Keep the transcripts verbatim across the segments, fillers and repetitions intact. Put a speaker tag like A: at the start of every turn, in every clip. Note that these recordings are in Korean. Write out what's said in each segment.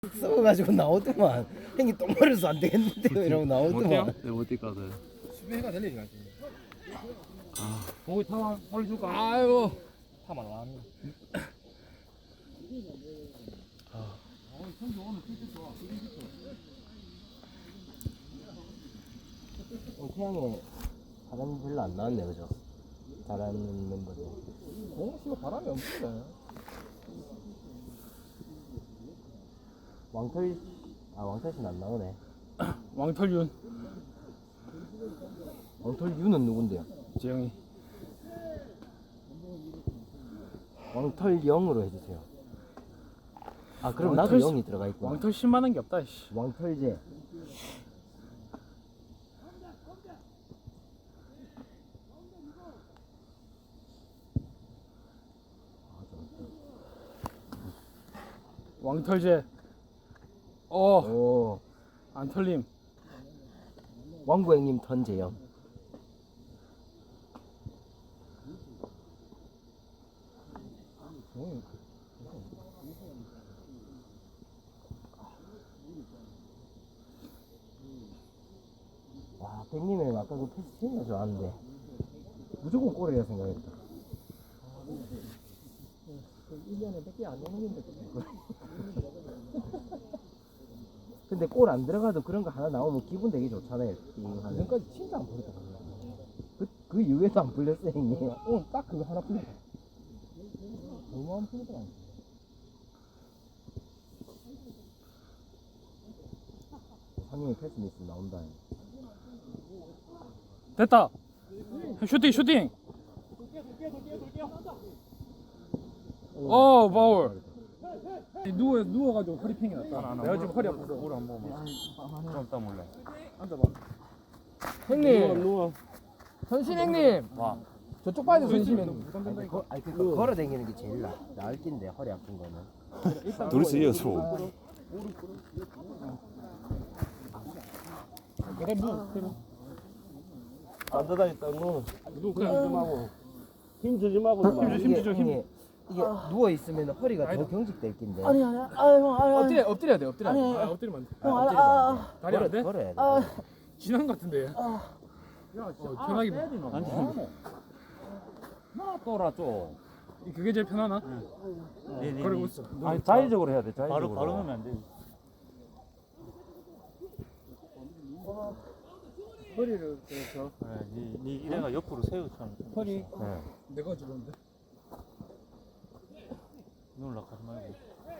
A: 썩어가지고 나오더만. 형님 똥 마려서 안 되겠는데요 이러고 나오더만.
B: 네, 못 뛰거든.
C: 수비해가 될 일이가 지금.
B: 아, 거기 타만 올려줄까?
C: 아이고. 타만 와.
A: 어, 태양에 바람이 별로 안 나왔네 그죠? 잘하는 멤버들.
C: 어, 씨발 바람이 없는데.
A: 왕털 아 왕털씨는 안 나오네.
C: 왕털윤.
A: 왕털 유는 누군데요?
C: 재영이.
A: 왕털 영으로 해주세요. 아 그럼 나도
C: 왕털 씨-
A: 영이 들어가 있구나.
C: 왕털 십만한 게 없다. 씨.
A: 왕털제.
C: 왕털제. 어,
A: 오
C: 안 털림.
A: 왕구행님 턴제영. 와 백님은 아까 그 패스 진짜 좋았는데 무조건 골이라 생각했다.
C: 일 년에 몇 개 안 오는데.
A: 근데 골 안 들어가도 그런 거 하나 나오면 기분 되게 좋잖아요. 하는.
C: 지금까지 진짜 안 버렸다.
A: 그, 그 이후에도 안 풀렸어 형님.
C: 오늘 딱 그거 하나 풀렸다. 너무 안 풀리더라.
A: 상님이 패스 미스 나온다.
C: 됐다. 슈팅 슈팅. 어 바울. 누워 누워가지고 허리 팽이 났다. 내가 지금 허리 아파서.
B: 물 한 번만. 좀 이따 몰래.
C: 앉아봐. 형님.
B: 누워.
C: 선신 형님.
B: 와.
C: 저쪽 봐야 돼 선신이.
A: 아니, 거, 아니 그 걸어 다니는 게 제일 나. 나을 낀데 허리 아픈 거는.
B: 둘이서 이어서.
C: 내가 누워.
B: 앉아다녔다 너.
C: 누워 그냥
B: 하고. 힘 주지 말고.
C: 힘 주- 힘 주죠, 힘.
A: 이게, 이게 누워 있으면 허리가 더 경직될 낀데.
D: 아니 아니 아유 아유
C: 엎드려 엎드려야 돼 엎드려.
D: 아니,
C: 아, 엎드리면 안 돼.
D: 형 아니
A: 엎드리면 안
D: 아,
C: 다리 안 돼?
A: 걸어야 돼.
D: 아,
C: 지난 것 같은데.
D: 아,
C: 어, 편하게.
B: 앉아. 나 또라 좀.
C: 그게 제일 편하나?
B: 네, 네,
C: 그러고 있어.
B: 아니 자의적으로 해야 돼. 자의적으로. 바로 바로 넣으면 안 돼.
C: 허리를 그래서
B: 네, 니, 니 이래가 옆으로 세우처럼.
C: 허리
B: 네.
C: 내가 주는데.
B: 누울라 가지 말고.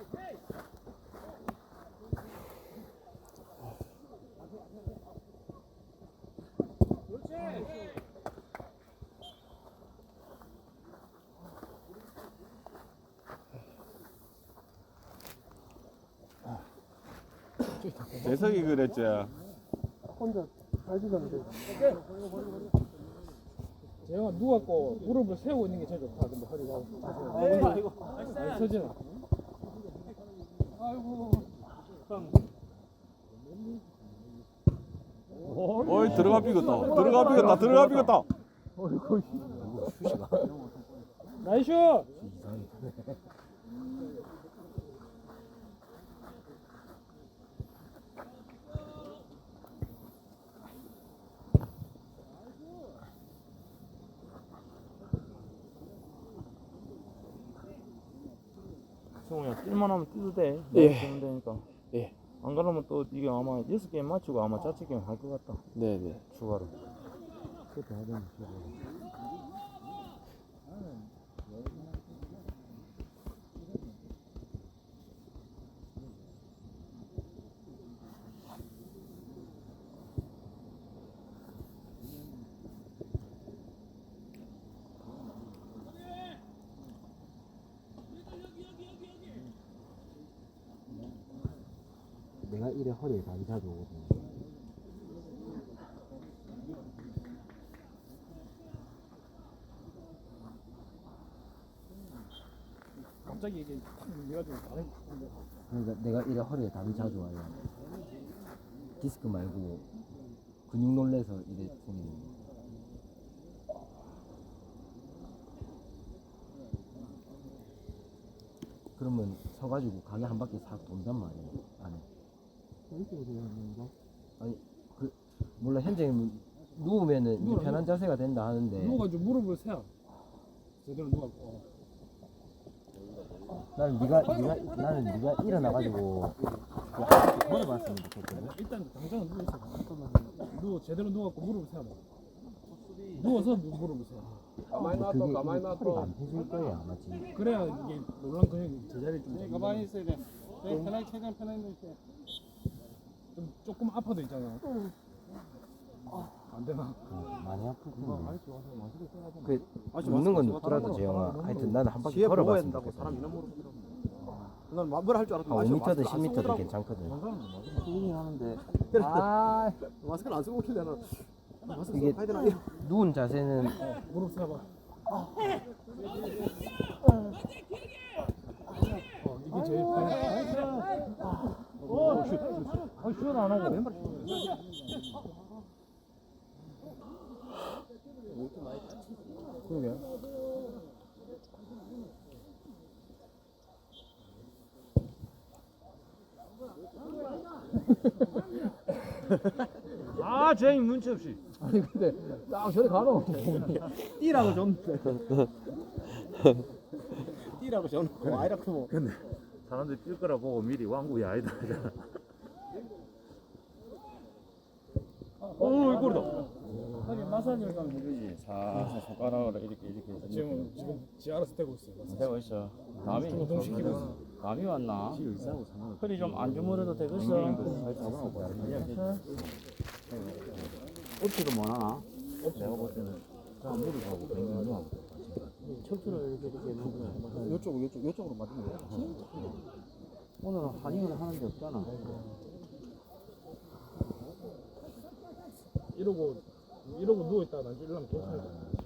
E: 재석이 그랬지.
D: 혼자 잘 주던데.
C: 재영아 누웠고 무릎을 세우고 있는 게 제일 좋다. 근데 허리가. 아 근데 아니 서진아.
E: 어이 들어가 비겼다. 들어가 비겼다. 들어가 비겼다.
C: 나이스.
B: 승우야 뛸만 하면 뛰도 돼.
F: 예.
B: 뛰면 되니까.
F: 예.
B: 안 그러면 또 이게 아마 여섯 게임 맞추고 아마 자체 게임 할 것 같다.
F: 네네.
B: 추가로.
A: 내가 이래 허리에 담이 자주 오거든.
C: 갑자기 이게 내가 좀 다른.
A: 그러니까 내가 이래 허리에 담이 자주 와요. 디스크 말고 근육 놀래서 이래 생기는 거. 그러면 서가지고 가게 한 바퀴 싹 돈단 말이야 안에. 아니 그 몰라 현장님 누우면은 이제
C: 누워,
A: 편한 자세가 된다 하는데
C: 누워가지고 무릎을 세워. 제대로 누워갖고.
A: 나는 네가 네가 나는 네가 일어나가지고 그 앞바퀴 걸어봤으면 좋겠거든.
C: 일단 당장은 누워 있어. 누워 제대로 누워갖고 무릎을 세워. 누워서 누- 무릎을 세워.
A: 가만히 놔둬 가만히 놔둬. 허리가 안 펴질 거야 아마지.
C: 그래야 이게 놀란 근육이 제자리 좀. 잡는
F: 가만히
C: 거야.
F: 있어야 돼. 네, 편하게 최대한 편하게 있어.
C: 좀 조금 아파도 있잖아. 안 되나?
A: 어, 많이 아프구나. 그 웃는 건 웃더라도 재영아. 하여튼 나는 한 바퀴
E: 뒤에 보고
A: 걸어봤으면
E: 된다고
A: 좋겠어.
E: 사람 이런 모르고 난 뭐라 할줄 알았더니
A: 한 오 미터든 십
E: 마스크를 안
A: 미터든
E: 쓰고
A: 괜찮거든.
D: 쓰긴 하는데.
A: 아
E: 마스크를 안 쓰고 오길래는 마스크
A: 이게
E: 쓰고 해야 되나
A: 누운 자세는
C: 무릎 세워봐. 어, 이게 제일 편해.
B: 어, 슛. 아, 슛 안 하고 왼발.
C: 그러게.
B: 아, 쟤 눈치 없이.
C: 아니 근데 딱 저리 가노.
E: 뛰라고 좀 뛰라고 좀 아이라고 뭐
B: 근데 사람들이 뛸 거라 보고 미리 왕국이 아니다 하잖아. 오, 이 골이다.
F: 하긴 마사지를 가면 되지. 사 손가락으로 이렇게 이렇게 해서
C: 지금 지금 지 알아서 떼고 있어요.
F: 되고 있어. 남이
C: 동시키고 있어.
F: 남이 왔나? 허리 좀 안 주무려도 되겠어. 어떻게 뭐 하나?
B: 내가 볼 때는 그냥 무릎 하고 뱅뱅
D: 척추를 이렇게 이렇게 놓고.
E: 이쪽으로 이쪽 이쪽으로 맞으면 돼.
F: 오늘은 한의원을 하는 게 없잖아.
C: 이러고 이러고 누워 있다가 나중에 일어나면 괜찮아.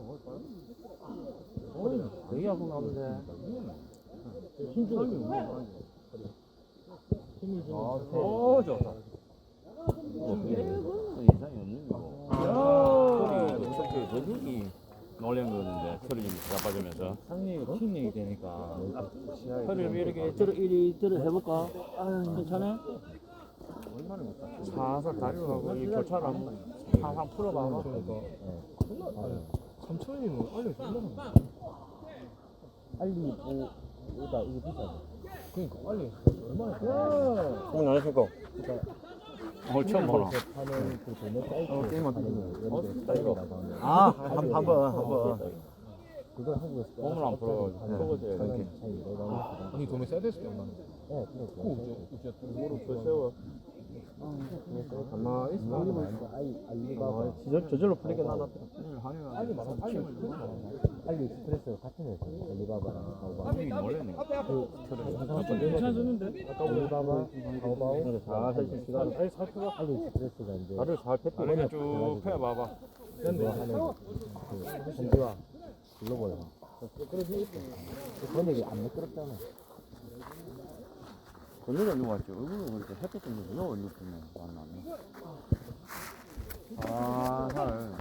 F: 되게 아프면 하는데.
C: 힘 주고 있어. 힘을 주고.
B: 오, 좋다.
F: 그 이상이 없는 거고. 허리 척추에 근육이 놀란 거였는데 털이 좀 자빠지면서 상리가 킥링이 되니까 허리를 이렇게 들어 이리 들어 해볼까? 괜찮아? 살살 다리로 하고 이 교차를 한번 항상 풀어봐봐.
C: 삼천이면 알려준다.
A: 알리 보다 이게 비싸.
C: 그러니까 알리 얼마나 좋아.
B: 오늘 안녕하십니까.
F: 오늘 처음 보나?
A: 하는 그 도매 사이트
B: 어, 게임만
A: 하는 사이트라고 하는
B: 아, 한, 한 번, 한 번.
A: 그걸 한국에서
F: 몸을 안 풀어가지고 풀어줘야 돼.
A: 이렇게 차이 내가
C: 아니 도매 써야 될수도 없나?
A: 네 그래
C: 이제 무릎 더 세워.
A: 가만히 있어 아이 알리바바
B: 저, 저절로 풀리게 나눴다.
C: 알리 말아. 알리
A: 알리 익스프레스 같은 회사 알리바바랑 타오바오
F: 힘이 놀랐네.
C: 괜찮았는데?
A: 알리바바 타오바오
B: 아, 사실 시간.
C: 아니 살펴봐.
A: 알리 익스프레스가 이제
B: 다리를 잘 펴고.
F: 다리를 쭉 펴봐봐.
A: 그거 하는 그 현지화 글로벌 그 번역이 안 매끄럽잖아.
F: 건너가 누가 왔지? 얼굴은 그렇게 햇볕 좀 누가 올렸으면 만나네. 아, 살.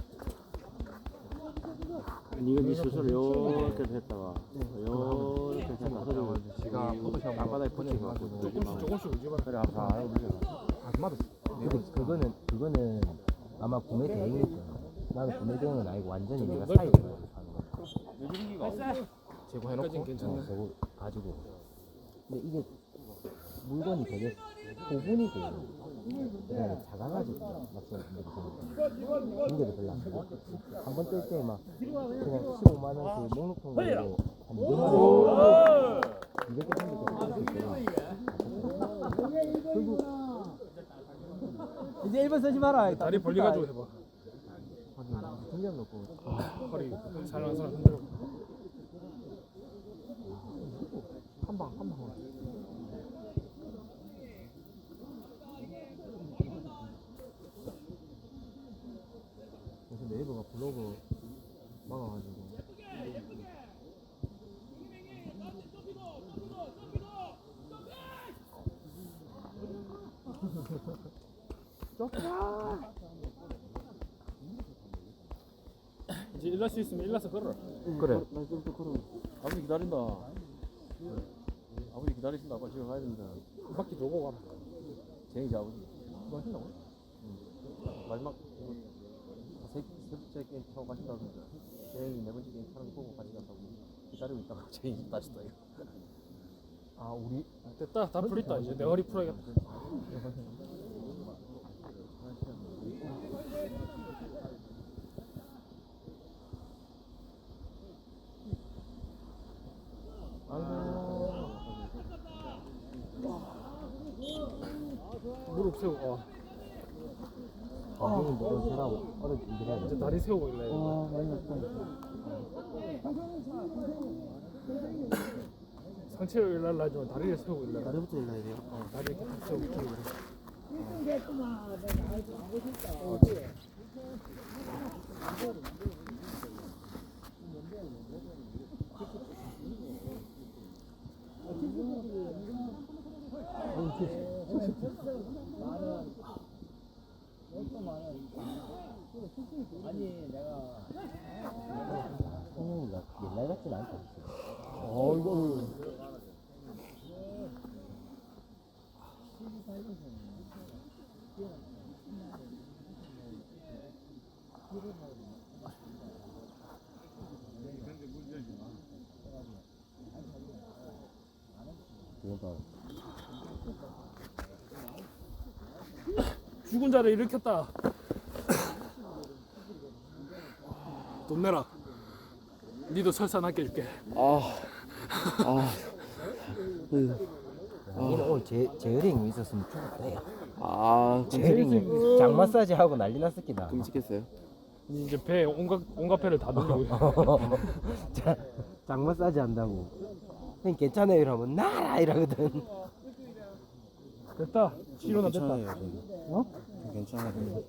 F: 니가 니 스스로 요렇게 했다가 요렇게 했다가 허리를 지가 땅바닥에 붙이고
C: 조금씩 조금씩 움직여.
F: 그래 아파.
C: 아줌마도.
A: 근데 그거는 그거는 아마 구매 대행일 거야. 나는 구매 대행은 아니고 완전히 내가
C: 넓혀.
A: 사이즈로 사는 거야.
C: 제거해놓고. 괜찮네.
A: 어, 저거 가지고. 근데 이게 물건이 되게 고분이 돼. 그다음에 작아가지고 막상 무게도 별로 안 되고 한번 뜰 때 막 그냥 십오만 원 그 목록통 가지고 한 이백만 원 이백 개 정도 뜰수 있어. 결국 이제 일 번 쓰지 마라.
C: 다리 벌려가지고 해봐.
A: 중량 놓고
C: 허리 살랑살랑 흔들어.
A: 한방 한방. 그래서 네이버가 블로그 막아가지고.
C: 이제 일날 수 있으면 일나서 걸어라.
A: 그래.
F: 아버지 기다린다. 아버지 기다리신다. 아빠 집에 가야 된다.
C: 한 바퀴 돌고 가면
F: 제이지 아버지.
C: 뭐 하신다고?
F: 마지막 이거 세, 세 번째 게임 타고 가신다던데. 제이 네 번째 게임 타는 거 보고 같이 간다고 기다리고 있다가 제이 집 다시 또 이거.
C: 아 우리 됐다 다 풀렸다 이제 내 허리 풀어야겠다. 무릎 세우고 어.
A: 거기는 무슨 사람 어른 준비해야
C: 이제
A: 돼.
C: 다리 세우고 있네.
D: 아 많이 났다.
C: 상체를 일날라 하지만 다리를 세우고 일날라.
D: 다리부터 일러야 돼요.
C: 어, 다리 이렇게 탁 세우고 이렇게 그래.
A: 성민이가 옛날 같진 않다.
C: 어이구.
A: 그러니까
C: 죽은 자를 일으켰다. 돈 내라. 니도 설사 낫게 해줄게.
A: 니는 오늘 제 제어링 있었으면 죽었다. 야.
D: 아
A: 제어링 장 마사지 하고 난리 났었기다.
D: 끔찍했어요.
C: 니 이제 배 온갖 온갖 배를 다 돌리고 있어.
A: 자, 장 마사지 한다고. 형님 괜찮아요 이러면 나라 이러거든.
C: 됐다. 치료나 됐다. 어?
B: 괜찮아요.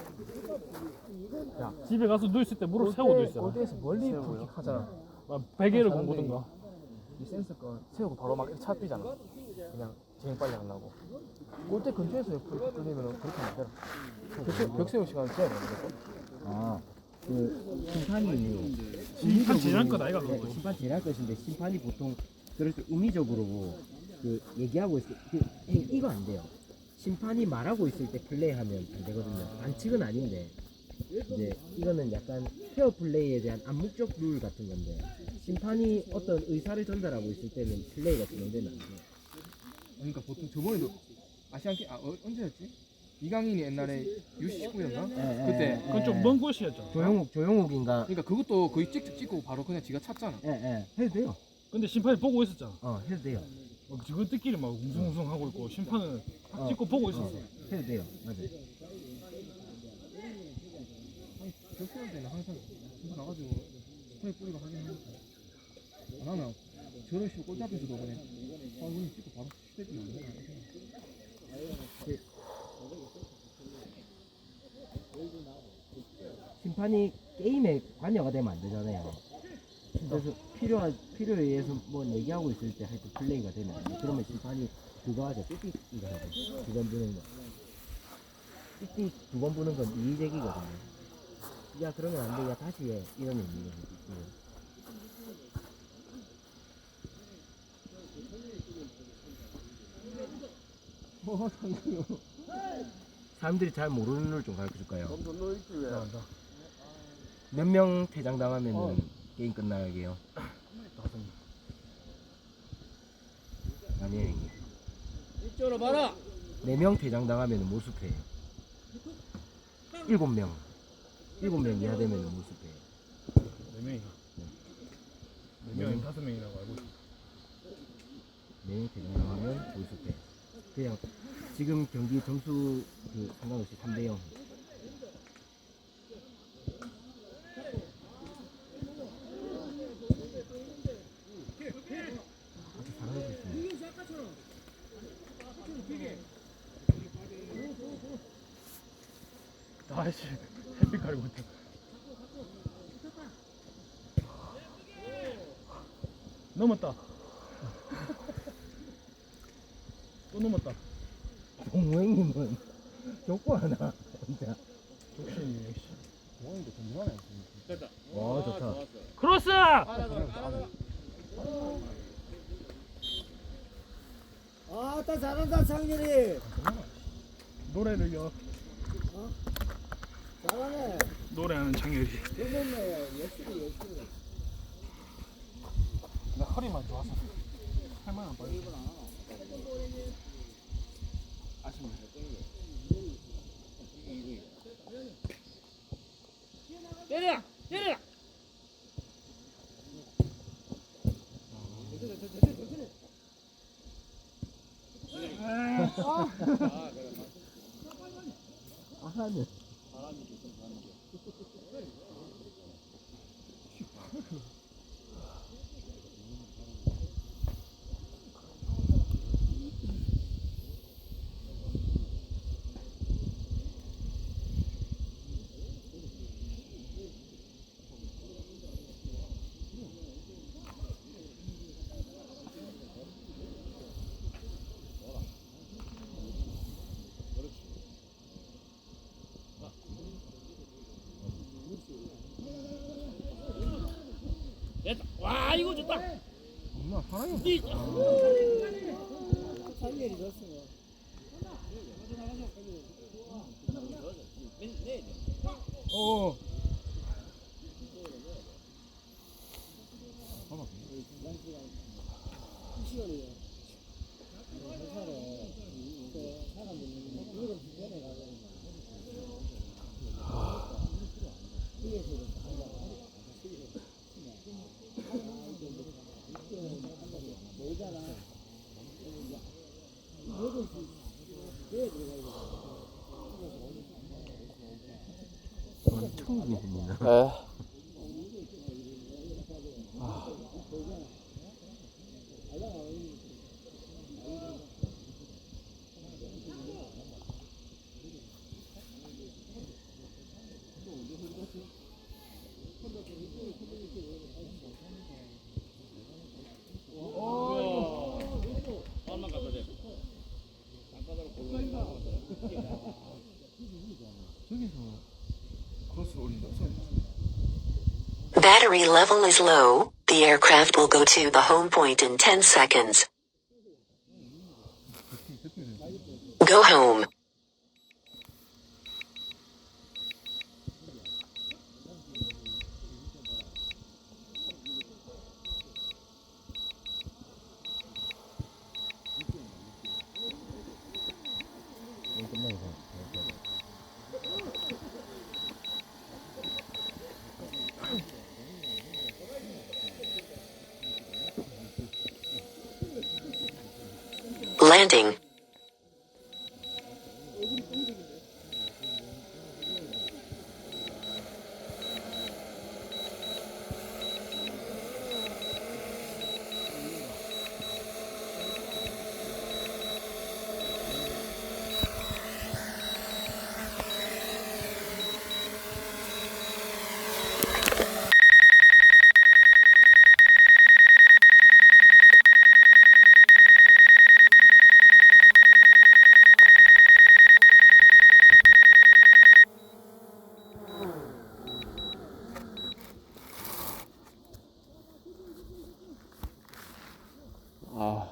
C: 야, 집에 가서 누있을 때 무릎 세우고 누있어. 골대에서 멀리 풀킥 하잖아. 막 베개를 공부든가.
G: 이 센서건 세우고 바로 막 차 뛰잖아. 그냥 제일 빨리 하려고. 골대 근처에서 옆으로 끌리면 그렇게 안 되나? 벽, 벽 세울 시간 써야 되는 거죠?
A: 아, 그 심판이
C: 심판 지날 것 아이가 그거.
A: 심판 지날 것인데 심판이 보통 그럴 때 의미적으로 그 얘기하고 있을 때 그, 형, 이거 안 돼요. 심판이 말하고 있을 때 플레이하면 안 되거든요. 반칙은 아닌데 이제 이거는 약간 페어 플레이에 대한 암묵적 룰 같은 건데 심판이 어떤 의사를 전달하고 있을 때는 플레이가 진행되면 안 돼요.
G: 그러니까 보통 저번에도 아시안 게임 아 어, 언제였지? 이강인이 옛날에 유씨 십구였나?
A: 예,
G: 그때
C: 그건 좀 먼 곳이었죠.
A: 조용욱 조용욱인가?
G: 그러니까 그것도 거의 찍찍 찍고 바로 그냥 지가 찼잖아.
A: 예, 예. 해도 돼요.
C: 근데 심판이 보고 있었잖아.
A: 어, 해도 돼요.
C: 막 지그들끼리 막 웅성웅성 하고 있고 심판은 딱
A: 어.
C: 찍고 보고 있었어.
A: 해도 돼요. 맞아요.
G: 벽 세울 때는 항상 진짜 나가지고 스타일 뿌리가 하긴 하니까 안 하나 저런 식으로 골대 앞에서도 그냥 아 그냥 찍고 바로 휴대폰 안 되나
A: 심판이 게임에 관여가 되면 안 되잖아요. 그래서 필요한 필요에 의해서 뭐 얘기하고 있을 때 하여튼 플레이가 되면 안 돼. 그러면 심판이 그거 하죠. 삐삐 이거 하죠. 두 번 부는 거. 삐삐 두 번 부는 건 이의제기거든요. 야 그러면 안 돼. 야 다시 해. 이런 의미거든요.
G: 어 상대요
A: 사람들이 잘 모르는 룰 좀 가르쳐 줄까요? 몇 명 퇴장당하면은
C: 어.
A: 게임 끝나게요. 아니에요 이게.
G: 이쪽으로 봐라.
A: 네 명 퇴장당하면은 모습해요. 일곱 명. 일곱 명 이하 되면은 모습해요.
C: 네 명이가. 네 명이 다섯 명이라고 알고 있어.
A: 네 명 퇴장당하면 모습해. 그냥 지금 경기 점수 그 상관없이 삼 대 영. 아주 잘하고 있습니다.
C: 아이씨 햇빛 가리고 있다. 넘었다. 또 넘었다.
A: 동호행님은 족구 하나 진짜.
C: 욕심이 역시.
A: 와 좋다.
C: 크로스!
A: 아따 잘한다 창렬이.
C: 노래를요.
A: 잘하네.
C: 노래하는 창렬이.
A: 그러네 역시 역시.
C: 나 허리만 좋아서 할만 안 빠져. 아쉽네. 때려! 때려!
A: 아하네.
C: 와, 이거 좋다.
G: 엄마 사랑해.
A: 창렬이 졌어.
G: 어.
D: 에.
H: Battery level is low. The aircraft will go to the home point in ten seconds. Go home. Landing.
D: 아.